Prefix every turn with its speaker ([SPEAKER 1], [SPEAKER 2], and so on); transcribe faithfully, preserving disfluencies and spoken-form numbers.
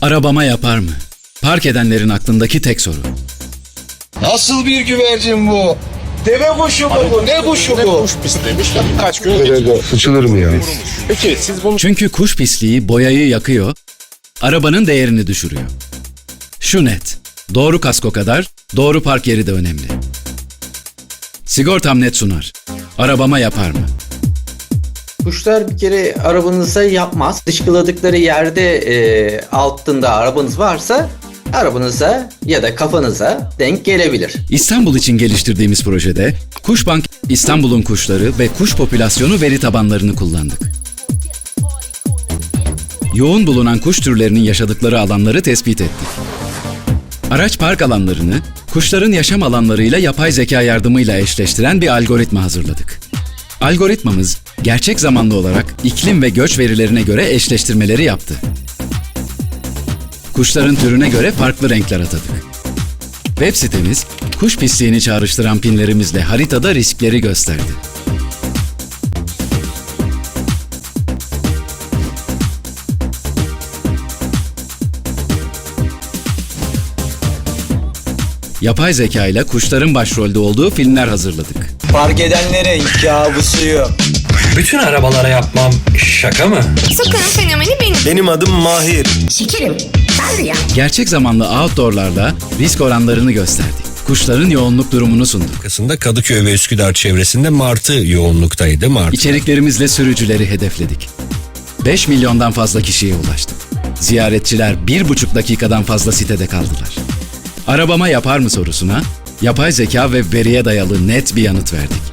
[SPEAKER 1] Arabama yapar mı? Park edenlerin aklındaki tek soru.
[SPEAKER 2] Nasıl bir güvercin bu? Deve kuşu mu bu? Ne kuşu bu?
[SPEAKER 3] Kuş pislemiş ve birkaç gün
[SPEAKER 4] Nerede sıçılır mı yani?
[SPEAKER 3] Peki siz bunu
[SPEAKER 1] Çünkü kuş pisliği boyayı yakıyor, arabanın değerini düşürüyor. Şu net, doğru kasko kadar doğru park yeri de önemli. Sigortam net sunar. Arabama yapar mı?
[SPEAKER 5] Kuşlar bir kere arabanıza yapmaz. Dışkıladıkları yerde e, altında arabanız varsa arabanıza ya da kafanıza denk gelebilir.
[SPEAKER 1] İstanbul için geliştirdiğimiz projede Kuşbank İstanbul'un kuşları ve kuş popülasyonu veri tabanlarını kullandık. Yoğun bulunan kuş türlerinin yaşadıkları alanları tespit ettik. Araç park alanlarını kuşların yaşam alanlarıyla yapay zeka yardımıyla eşleştiren bir algoritma hazırladık. Algoritmamız gerçek zamanlı olarak iklim ve göç verilerine göre eşleştirmeleri yaptı. Kuşların türüne göre farklı renkler atadık. Web sitemiz, kuş pisliğini çağrıştıran pinlerimizle haritada riskleri gösterdi. Yapay zeka ile kuşların başrolde olduğu filmler hazırladık.
[SPEAKER 6] Fark edenlerin kabusuyum.
[SPEAKER 7] Bütün arabalara yapmam şaka mı?
[SPEAKER 8] Sokağın fenomeni benim.
[SPEAKER 6] Benim adım Mahir.
[SPEAKER 8] Şekerim. Ben de ya.
[SPEAKER 1] Gerçek zamanlı outdoor'larla risk oranlarını gösterdik. Kuşların yoğunluk durumunu sunduk.
[SPEAKER 7] Arkasında Kadıköy ve Üsküdar çevresinde martı yoğunluktaydı. Martı.
[SPEAKER 1] İçeriklerimizle sürücüleri hedefledik. beş milyondan fazla kişiye ulaştık. Ziyaretçiler bir buçuk dakikadan fazla sitede kaldılar. Arabama yapar mı sorusuna, yapay zeka ve veriye dayalı net bir yanıt verdik.